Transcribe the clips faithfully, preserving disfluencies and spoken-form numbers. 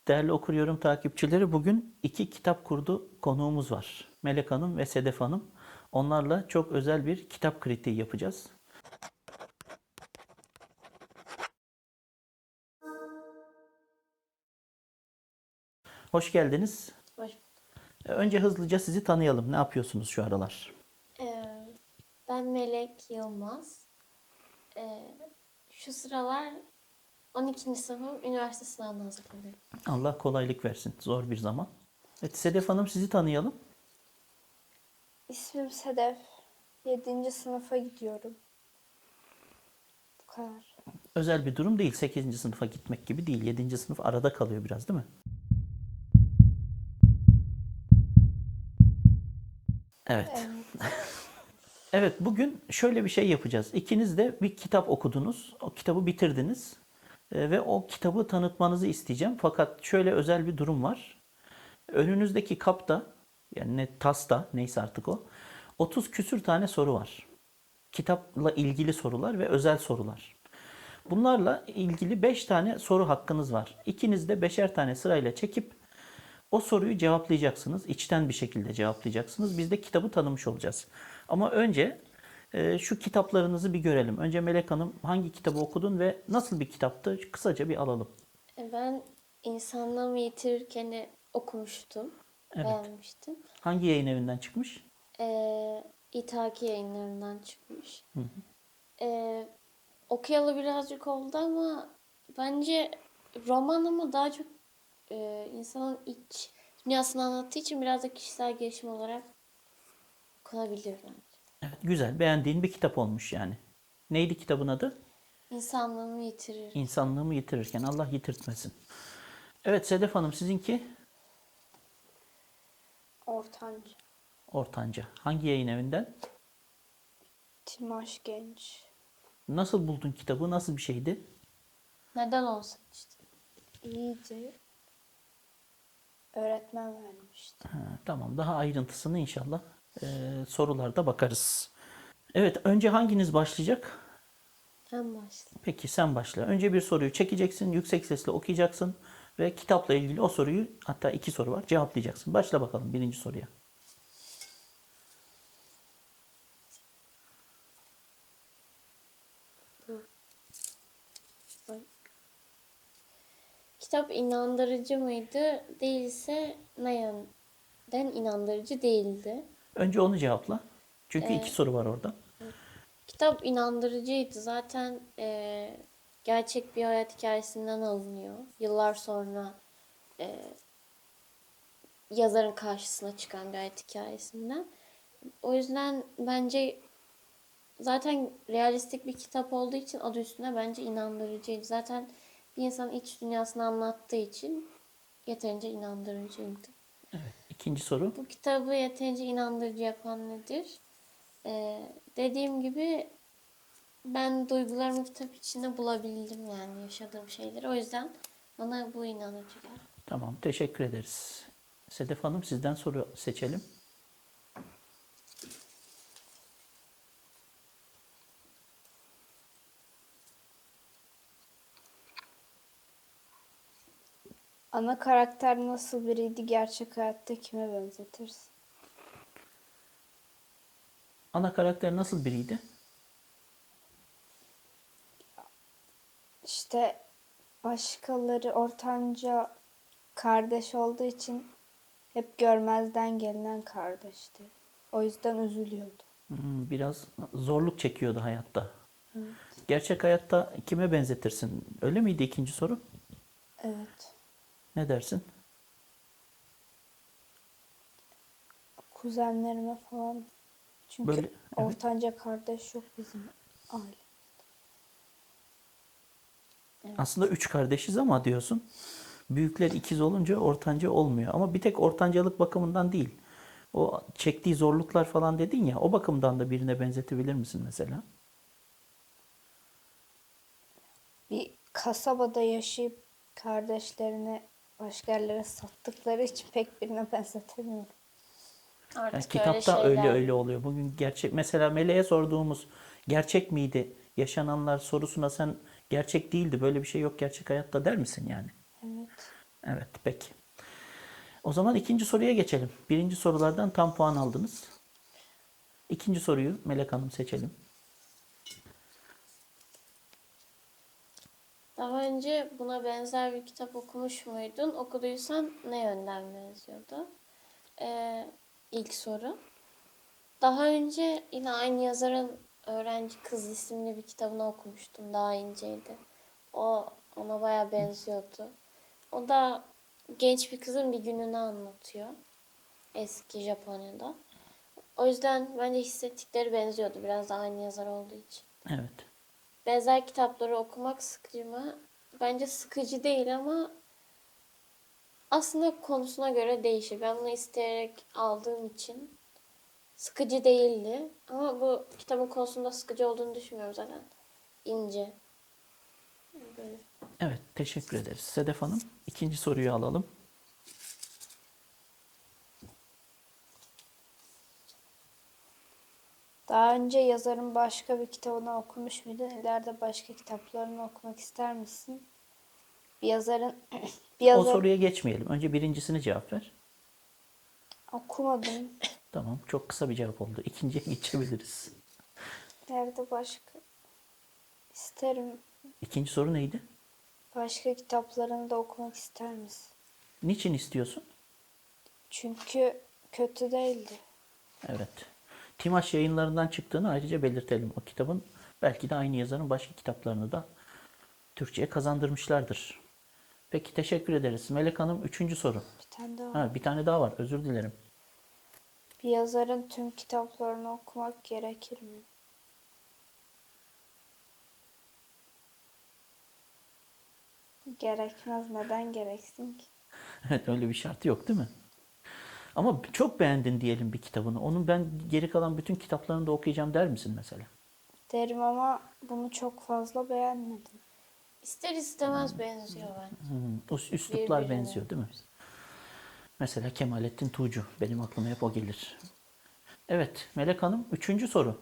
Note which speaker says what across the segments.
Speaker 1: Değerli okuryyorum takipçileri, bugün iki kitap kurdu konuğumuz var. Melek Hanım ve Sedef Hanım. Onlarla çok özel bir kitap kritiği yapacağız. Hoş geldiniz.
Speaker 2: Hoş.
Speaker 1: Önce hızlıca sizi tanıyalım. Ne yapıyorsunuz şu aralar?
Speaker 2: Ee, ben Melek Yılmaz. Ee, şu sıralar on ikinci sınıfım üniversite sınavına hazırlanıyorum.
Speaker 1: Allah kolaylık versin. Zor bir zaman. Evet, Sedef Hanım, sizi tanıyalım.
Speaker 3: İsmim Sedef. Yedinci sınıfa gidiyorum. Bu kadar.
Speaker 1: Özel bir durum değil. Sekizinci sınıfa gitmek gibi değil. Yedinci sınıf arada kalıyor biraz, değil mi? Evet.
Speaker 3: Evet.
Speaker 1: Evet, bugün şöyle bir şey yapacağız. İkiniz de bir kitap okudunuz. O kitabı bitirdiniz. E, Ve o kitabı tanıtmanızı isteyeceğim. Fakat şöyle özel bir durum var. Önünüzdeki kapta, yani ne tasta, neyse artık o, otuz küsür tane soru var. Kitapla ilgili sorular ve özel sorular. Bunlarla ilgili beş tane soru hakkınız var. İkiniz de beşer tane sırayla çekip o soruyu cevaplayacaksınız. İçten bir şekilde cevaplayacaksınız. Biz de kitabı tanımış olacağız. Ama önce e, şu kitaplarınızı bir görelim. Önce Melek Hanım, hangi kitabı okudun ve nasıl bir kitaptı? Kısaca bir alalım.
Speaker 2: Ee, ben İnsanlığımı Yitirirken'i okumuştum.
Speaker 1: Evet.
Speaker 2: Beğenmiştim.
Speaker 1: Hangi yayın evinden çıkmış?
Speaker 2: Ee, İthaki Yayınlarından çıkmış. Ee, okuyalı birazcık oldu ama bence roman ama daha çok e, insanın iç dünyasını anlattığı için biraz da kişisel gelişim olarak okunabilir bence.
Speaker 1: Evet, güzel. Beğendiğin bir kitap olmuş yani. Neydi kitabın adı?
Speaker 2: İnsanlığımı Yitirir.
Speaker 1: İnsanlığımı yitirirken. Allah yitirtmesin. Evet Sedef Hanım, sizinki
Speaker 3: Ortanca.
Speaker 1: Ortanca. Hangi yayın evinden?
Speaker 3: Timaş Genç.
Speaker 1: Nasıl buldun kitabı? Nasıl bir şeydi?
Speaker 2: Neden olsun işte.
Speaker 3: İyiydi. Öğretmen vermişti.
Speaker 1: Ha, tamam. Daha ayrıntısını inşallah e, sorularda bakarız. Evet, önce hanginiz başlayacak?
Speaker 2: En başta.
Speaker 1: Peki sen başla. Önce bir soruyu çekeceksin, yüksek sesle okuyacaksın ve kitapla ilgili o soruyu, hatta iki soru var, cevaplayacaksın. Başla bakalım birinci soruya.
Speaker 2: Kitap inandırıcı mıydı? Değilse ne yönden inandırıcı değildi?
Speaker 1: Önce onu cevapla. Çünkü iki soru var orada.
Speaker 2: Kitap inandırıcıydı. Zaten eee, gerçek bir hayat hikayesinden alınıyor. Yıllar sonra eee, yazarın karşısına çıkan bir hayat hikayesinden. O yüzden bence zaten realistik bir kitap olduğu için adı üstünde bence inandırıcıydı. Zaten bir insanın iç dünyasını anlattığı için yeterince inandırıcıydı.
Speaker 1: Evet. İkinci soru.
Speaker 2: Bu kitabı yeterince inandırıcı yapan nedir? Ee, dediğim gibi ben duygularımı kitap içinde bulabildim yani yaşadığım şeyleri. O yüzden bana bu inandırıcı geldi.
Speaker 1: Tamam, teşekkür ederiz. Sedef Hanım, sizden soru seçelim.
Speaker 3: Ana karakter nasıl biriydi? Gerçek hayatta kime benzetirsin?
Speaker 1: Ana karakter nasıl biriydi?
Speaker 3: İşte başkaları ortanca kardeş olduğu için hep görmezden gelinen kardeşti. O yüzden üzülüyordu.
Speaker 1: Hmm, biraz zorluk çekiyordu hayatta.
Speaker 3: Evet.
Speaker 1: Gerçek hayatta kime benzetirsin? Öyle miydi ikinci soru?
Speaker 3: Evet.
Speaker 1: Ne dersin?
Speaker 3: Kuzenlerime falan. Çünkü
Speaker 1: Böyle, evet.
Speaker 3: ortanca kardeş yok bizim aile.
Speaker 1: Aslında üç kardeşiz ama diyorsun. Büyükler ikiz olunca ortanca olmuyor. Ama bir tek ortancalık bakımından değil. O çektiği zorluklar falan dedin ya, o bakımdan da birine benzetebilir misin mesela?
Speaker 3: Bir kasabada yaşayıp kardeşlerini başka yerlere sattıkları için pek birine benzetemiyorum.
Speaker 2: Artık
Speaker 1: Yani
Speaker 2: öyle
Speaker 1: kitapta öyle
Speaker 2: şeyler.
Speaker 1: öyle oluyor. Bugün gerçek, mesela Meleğe sorduğumuz gerçek miydi yaşananlar sorusuna sen gerçek değildi, böyle bir şey yok gerçek hayatta der misin yani?
Speaker 3: Evet.
Speaker 1: Evet, peki. O zaman ikinci soruya geçelim. Birinci sorulardan tam puan aldınız. İkinci soruyu Melek Hanım seçelim.
Speaker 2: Daha önce buna benzer bir kitap okumuş muydun? Okuduysan ne yönden benziyordu? Ee, ilk soru. Daha önce yine aynı yazarın Öğrenci Kız isimli bir kitabını okumuştum. Daha inceydi. O ona baya benziyordu. O da genç bir kızın bir gününü anlatıyor. Eski Japonya'da. O yüzden bence hissettikleri benziyordu. Biraz da aynı yazar olduğu için.
Speaker 1: Evet.
Speaker 2: Benzer kitapları okumak sıkıcı mı? Bence sıkıcı değil ama aslında konusuna göre değişir. Ben bunu isteyerek aldığım için sıkıcı değildi. Ama bu kitabın konusunda sıkıcı olduğunu düşünmüyorum zaten. İnce. Böyle.
Speaker 1: Evet, teşekkür ederiz. Sedef Hanım, ikinci soruyu alalım.
Speaker 3: Daha önce yazarın başka bir kitabını okumuş muydun? İleride başka kitaplarını okumak ister misin? Bir yazarın bir
Speaker 1: O
Speaker 3: yazar
Speaker 1: soruya geçmeyelim. Önce birincisini cevap ver.
Speaker 3: okumadım.
Speaker 1: Tamam, çok kısa bir cevap oldu. İkinciye geçebiliriz.
Speaker 3: İleride başka isterim.
Speaker 1: İkinci soru neydi?
Speaker 3: Başka kitaplarını da okumak ister misin?
Speaker 1: Niçin istiyorsun?
Speaker 3: Çünkü kötü değildi.
Speaker 1: Evet. Timaş yayınlarından çıktığını ayrıca belirtelim. O kitabın belki de aynı yazarın başka kitaplarını da Türkçe'ye kazandırmışlardır. Peki, teşekkür ederiz. Melek Hanım, üçüncü soru.
Speaker 3: Bir tane daha.
Speaker 1: Ha, bir tane daha var. Özür dilerim.
Speaker 3: Bir yazarın tüm kitaplarını okumak gerekir mi? Gerekmez. Neden gereksin ki?
Speaker 1: Evet, öyle bir şartı yok değil mi? Ama çok beğendin diyelim bir kitabını. Onun ben geri kalan bütün kitaplarını da okuyacağım der misin mesela?
Speaker 3: Derim ama bunu çok fazla beğenmedim.
Speaker 2: İster istemez benziyor bence.
Speaker 1: Hmm, o üsluplar
Speaker 2: Birbirine.
Speaker 1: benziyor değil mi? Mesela Kemalettin Tuğcu. Benim aklıma hep o gelir. Evet, Melek Hanım, üçüncü soru.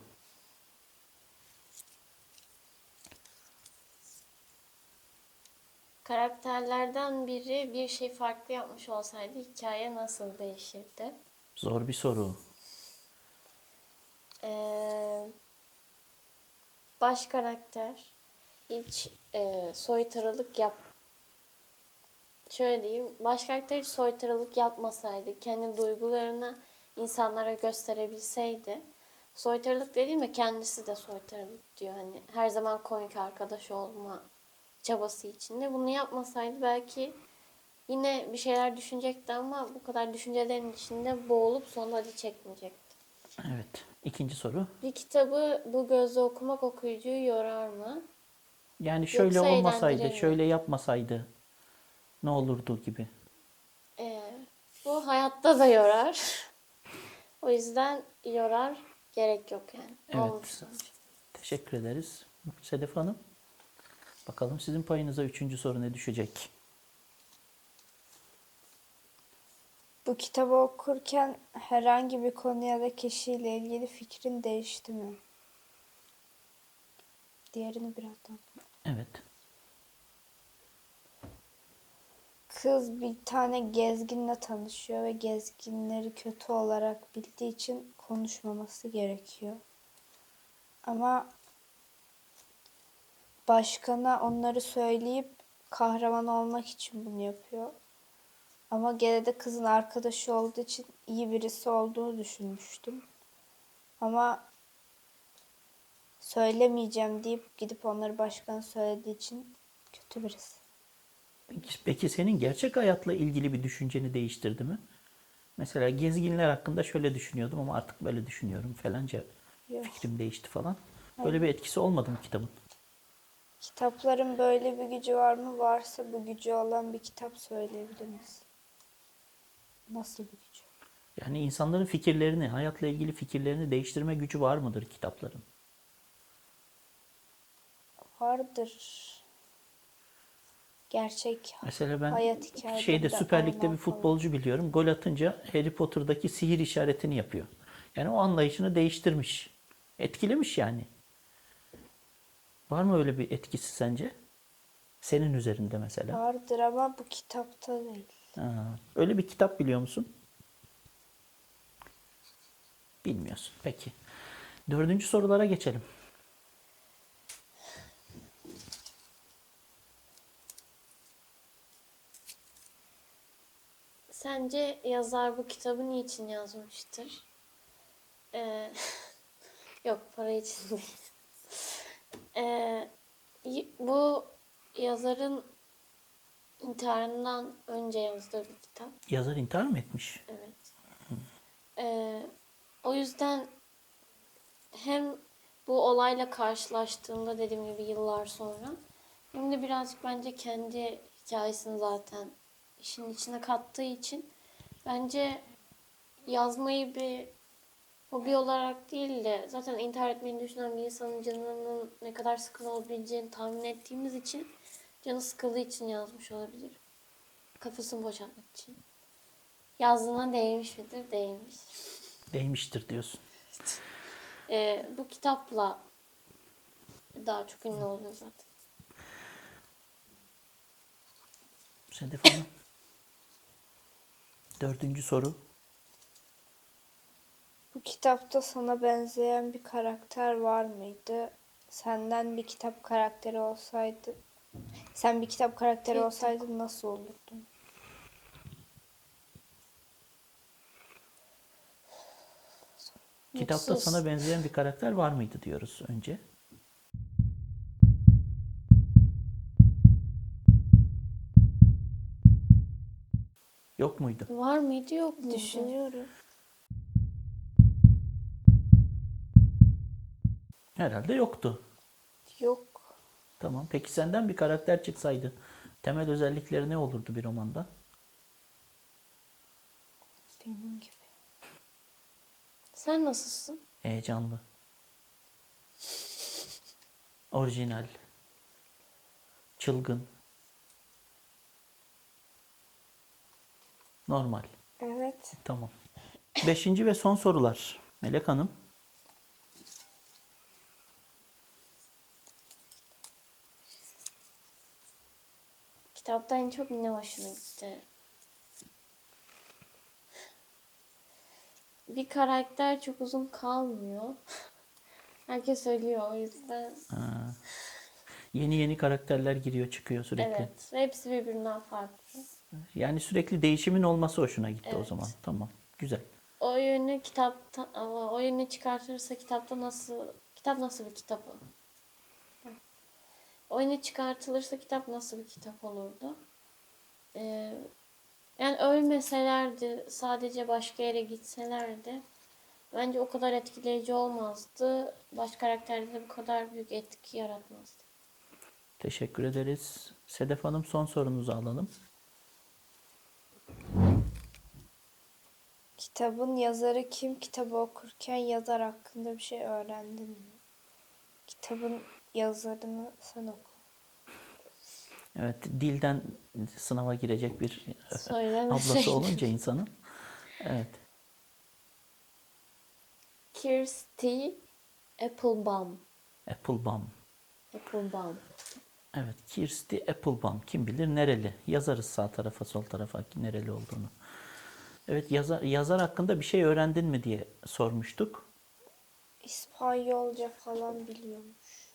Speaker 2: Karakterlerden biri bir şey farklı yapmış olsaydı hikaye nasıl değişirdi?
Speaker 1: Zor bir soru.
Speaker 2: Ee, baş karakter hiç e, soytarılık yap şöyle diyeyim, baş karakter hiç soytarılık yapmasaydı, kendi duygularını insanlara gösterebilseydi, soytarılık dediğimde kendisi de soytarılık diyor, hani her zaman komik arkadaş olma çabası içinde. Bunu yapmasaydı belki yine bir şeyler düşünecekti ama bu kadar düşüncelerin içinde boğulup sonunda acı çekmeyecekti.
Speaker 1: Evet, ikinci soru.
Speaker 2: Bir kitabı bu gözle okumak okuyucuyu yorar mı?
Speaker 1: Yani şöyle
Speaker 2: Yoksa
Speaker 1: olmasaydı,
Speaker 2: eğlendirir mi?
Speaker 1: şöyle yapmasaydı ne olurdu gibi.
Speaker 2: Ee, bu hayatta da yorar. O yüzden yorar, gerek yok yani.
Speaker 1: Evet.
Speaker 2: Olmuş sonuç.
Speaker 1: Teşekkür ederiz. Sedef Hanım, bakalım sizin payınıza üçüncü soru ne düşecek?
Speaker 3: Bu kitabı okurken herhangi bir konu ya da kişiyle ilgili fikrin değişti mi? Diğerini birazdan.
Speaker 1: Evet.
Speaker 3: Kız bir tane gezginle tanışıyor ve gezginleri kötü olarak bildiği için konuşmaması gerekiyor. Ama başkana onları söyleyip kahraman olmak için bunu yapıyor. Ama gene de kızın arkadaşı olduğu için iyi birisi olduğunu düşünmüştüm. Ama söylemeyeceğim deyip gidip onları başkana söylediği için kötü birisi.
Speaker 1: Peki, peki senin gerçek hayatla ilgili bir düşünceni değiştirdi mi? Mesela gezginler hakkında şöyle düşünüyordum ama artık böyle düşünüyorum falanca
Speaker 3: Yok.
Speaker 1: fikrim değişti falan. Böyle bir etkisi olmadı mı kitabın?
Speaker 3: Kitapların böyle bir gücü var mı? Varsa bu gücü olan bir kitap söyleyebilir misin? Nasıl bir gücü?
Speaker 1: Yani insanların fikirlerini, hayatla ilgili fikirlerini değiştirme gücü var mıdır kitapların?
Speaker 3: Vardır. Gerçek
Speaker 1: Mesela ben
Speaker 3: hayat hikayeleri
Speaker 1: şeyde
Speaker 3: de
Speaker 1: Süper Lig'de
Speaker 3: alınan
Speaker 1: bir
Speaker 3: falan.
Speaker 1: futbolcu biliyorum. Gol atınca Harry Potter'daki sihir işaretini yapıyor. Yani o anlayışını değiştirmiş. Etkilemiş yani. Var mı öyle bir etkisi sence? Senin üzerinde mesela.
Speaker 3: Vardır ama bu kitapta değil.
Speaker 1: Ha, öyle bir kitap biliyor musun? Bilmiyorsun. Peki. Dördüncü sorulara geçelim.
Speaker 2: Sence yazar bu kitabı niçin yazmıştır? Ee, Yok, para için değil. Ee, y- Bu yazarın intiharından önce yazdığı bir kitap.
Speaker 1: Yazar intihar mı etmiş?
Speaker 2: Evet. Ee, O yüzden hem bu olayla karşılaştığında, dediğim gibi yıllar sonra, hem de birazcık bence kendi hikayesini zaten işin içine kattığı için bence yazmayı bir hobi olarak değil de zaten intihar etmeyi düşünen bir insanın canının ne kadar sıkın olabileceğini tahmin ettiğimiz için, canı sıkıldığı için yazmış olabilir. Kafasını boşaltmak için. Yazdığına değmiş midir? Değmiş.
Speaker 1: Değmiştir diyorsun.
Speaker 2: Ee, bu kitapla daha çok ünlü oluyor zaten.
Speaker 1: Sedef Hanım. Dördüncü soru.
Speaker 3: Bu kitapta sana benzeyen bir karakter var mıydı? Senden bir kitap karakteri olsaydı, sen bir kitap karakteri
Speaker 2: Peki.
Speaker 3: olsaydın nasıl olurdun?
Speaker 1: Kitapta
Speaker 2: Mutsuz.
Speaker 1: sana benzeyen bir karakter var mıydı diyoruz önce. Yok muydu?
Speaker 2: Var mıydı, yok muydu?
Speaker 3: Düşünüyorum.
Speaker 1: Herhalde yoktu.
Speaker 3: Yok.
Speaker 1: Tamam. Peki senden bir karakter çıksaydı temel özellikleri ne olurdu bir romanda?
Speaker 3: Benim gibi.
Speaker 2: Sen nasılsın?
Speaker 1: Heyecanlı. Orijinal. Çılgın. Normal.
Speaker 3: Evet.
Speaker 1: Tamam. Beşinci ve son sorular. Melek Hanım.
Speaker 2: Kitapta en çok ne hoşuna gitti? Bir karakter çok uzun kalmıyor. Herkes ölüyor, o yüzden.
Speaker 1: Ha, yeni yeni karakterler giriyor çıkıyor sürekli.
Speaker 2: Evet. Ve hepsi birbirinden farklı.
Speaker 1: Yani sürekli değişimin olması hoşuna gitti o
Speaker 2: Evet.
Speaker 1: zaman. Tamam. Güzel.
Speaker 2: O yönü kitapta, ama o yönü çıkartırsa kitapta nasıl, kitap nasıl bir kitap o? O yönü çıkartılırsa kitap nasıl bir kitap olurdu? Ee, Yani ölmeselerdi, sadece başka yere gitselerdi, bence o kadar etkileyici olmazdı. Baş karakterde de bu kadar büyük etki yaratmazdı.
Speaker 1: Teşekkür ederiz. Sedef Hanım son sorunuzu alalım.
Speaker 3: Kitabın yazarı kim? Kitabı okurken yazar hakkında bir şey öğrendin mi? Kitabın yazarını sen oku.
Speaker 1: Evet, dilden sınava girecek bir ablası
Speaker 2: Söylemeseydim.
Speaker 1: olunca insanın. Evet.
Speaker 2: Kirsty Applebaum.
Speaker 1: Applebaum.
Speaker 2: Applebaum.
Speaker 1: Evet, Kirsty Applebaum. Kim bilir nereli? Yazarız sağ tarafa, sol tarafa nereli olduğunu. Evet, yazar, yazar hakkında bir şey öğrendin mi diye sormuştuk.
Speaker 3: İspanyolca falan biliyormuş.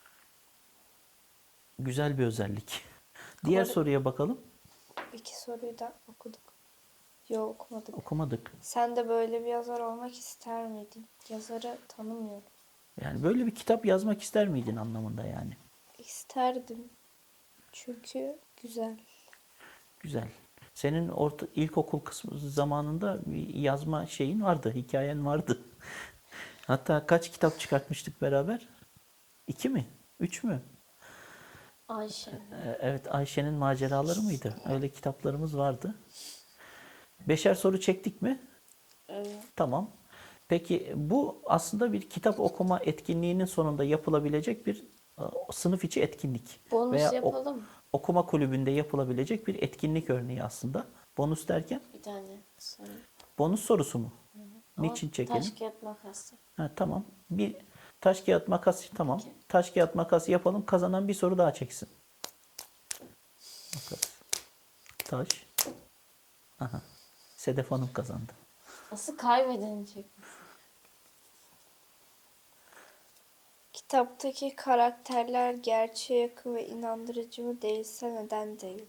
Speaker 1: Güzel bir özellik. Diğer
Speaker 3: Doğru.
Speaker 1: soruya bakalım.
Speaker 3: İki soruyu da okuduk. Yok okumadık.
Speaker 1: Okumadık.
Speaker 3: Sen de böyle bir yazar olmak ister miydin? Yazarı tanımıyorum.
Speaker 1: Yani böyle bir kitap yazmak ister miydin anlamında yani.
Speaker 3: İsterdim. Çünkü güzel.
Speaker 1: Güzel. Senin orta, ilkokul kısmı zamanında bir yazma şeyin vardı, hikayen vardı. Hatta kaç kitap çıkartmıştık beraber? İki mi? Üç mü?
Speaker 2: Ayşe.
Speaker 1: Ee, Evet, Ayşe'nin maceraları mıydı? Öyle kitaplarımız vardı. Beşer soru çektik mi?
Speaker 2: Evet.
Speaker 1: Tamam. Peki bu aslında bir kitap okuma etkinliğinin sonunda yapılabilecek bir e, sınıf içi etkinlik.
Speaker 2: Bonus
Speaker 1: Veya o-
Speaker 2: yapalım mı?
Speaker 1: okuma kulübünde yapılabilecek bir etkinlik örneği aslında. Bonus derken
Speaker 2: Bir tane soru.
Speaker 1: bonus sorusu mu?
Speaker 2: Ama
Speaker 1: Niçin çekelim?
Speaker 2: taş kağıt makas.
Speaker 1: Ha, tamam. Bir taş kağıt makas tamam.
Speaker 2: Peki.
Speaker 1: Taş kağıt makas yapalım. Kazanan bir soru daha çeksin. Makas. Taş. Aha. Sedef Hanım kazandı.
Speaker 2: Nasıl kaybedeni çekmiş?
Speaker 3: Kitaptaki karakterler gerçeğe yakın ve inandırıcı mı değilse neden değil?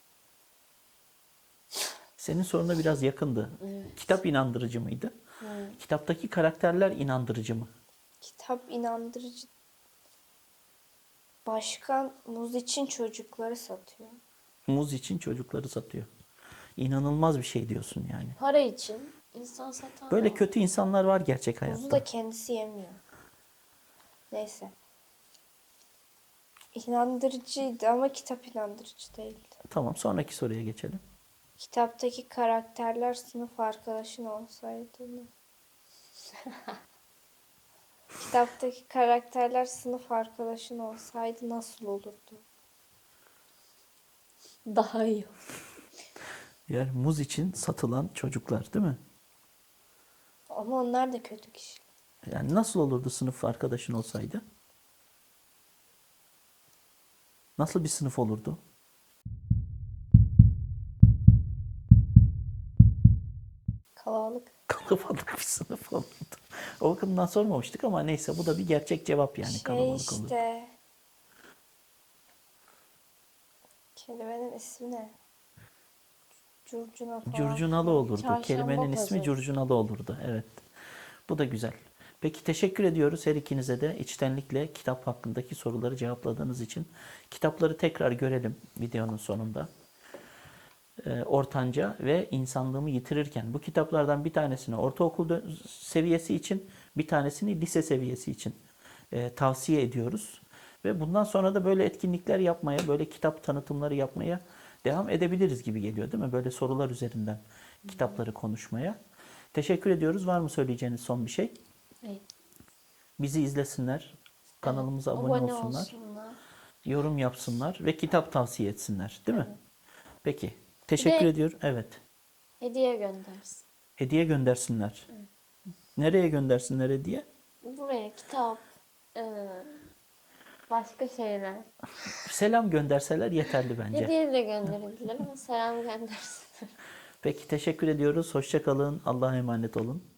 Speaker 1: Senin soruna biraz yakındı.
Speaker 2: Evet.
Speaker 1: Kitap inandırıcı mıydı?
Speaker 2: Evet.
Speaker 1: Kitaptaki karakterler inandırıcı mı?
Speaker 3: Kitap inandırıcı. Başkan muz için çocukları satıyor.
Speaker 1: Muz için çocukları satıyor. İnanılmaz bir şey diyorsun yani.
Speaker 2: Para için insan satan
Speaker 1: Böyle
Speaker 2: da var.
Speaker 1: kötü insanlar var gerçek
Speaker 3: Muzu
Speaker 1: hayatta.
Speaker 3: da kendisi yemiyor. Neyse. İnandırıcıydı ama kitap inandırıcı değildi.
Speaker 1: Tamam, sonraki soruya geçelim.
Speaker 3: Kitaptaki karakterler sınıf arkadaşın olsaydı mı? Kitaptaki karakterler sınıf arkadaşın olsaydı nasıl olurdu?
Speaker 2: Daha iyi.
Speaker 1: Yani muz için satılan çocuklar değil mi?
Speaker 3: Ama onlar da kötü kişi.
Speaker 1: Yani nasıl olurdu sınıf arkadaşın olsaydı? Nasıl bir sınıf olurdu?
Speaker 3: Kalabalık.
Speaker 1: Kalabalık bir sınıf olurdu. O bakımdan sormamıştık ama neyse, bu da bir gerçek cevap yani,
Speaker 3: Şey
Speaker 1: kalabalık olurdu.
Speaker 3: işte. Kelimenin ismi ne? Curcuna falan.
Speaker 1: Curcunalı olurdu.
Speaker 2: Çarşamba
Speaker 1: Kelimenin ismi
Speaker 2: pazarı.
Speaker 1: curcunalı olurdu. Evet. Bu da güzel. Peki, teşekkür ediyoruz her ikinize de içtenlikle kitap hakkındaki soruları cevapladığınız için. Kitapları tekrar görelim videonun sonunda. Ee, Ortanca ve İnsanlığımı Yitirirken. Bu kitaplardan bir tanesini ortaokul dö- seviyesi için, bir tanesini lise seviyesi için e, tavsiye ediyoruz. Ve bundan sonra da böyle etkinlikler yapmaya, böyle kitap tanıtımları yapmaya devam edebiliriz gibi geliyor, değil mi? Böyle sorular üzerinden kitapları konuşmaya. Teşekkür ediyoruz. Var mı söyleyeceğiniz son bir şey?
Speaker 2: Evet.
Speaker 1: Bizi izlesinler, kanalımıza abone, olsunlar,
Speaker 2: olsunlar.
Speaker 1: yorum yapsınlar ve kitap tavsiye etsinler, değil mi? Peki. Teşekkür
Speaker 2: de-
Speaker 1: ediyorum. Evet.
Speaker 2: Hediye göndersin.
Speaker 1: Hediye göndersinler. Nereye göndersinler hediye?
Speaker 2: Buraya kitap, eee, başka şeyler.
Speaker 1: Selam gönderseler yeterli bence.
Speaker 2: Hediye de gönderebilir ama selam göndersin.
Speaker 1: Peki, teşekkür ediyoruz. Hoşça kalın. Allah'a emanet olun.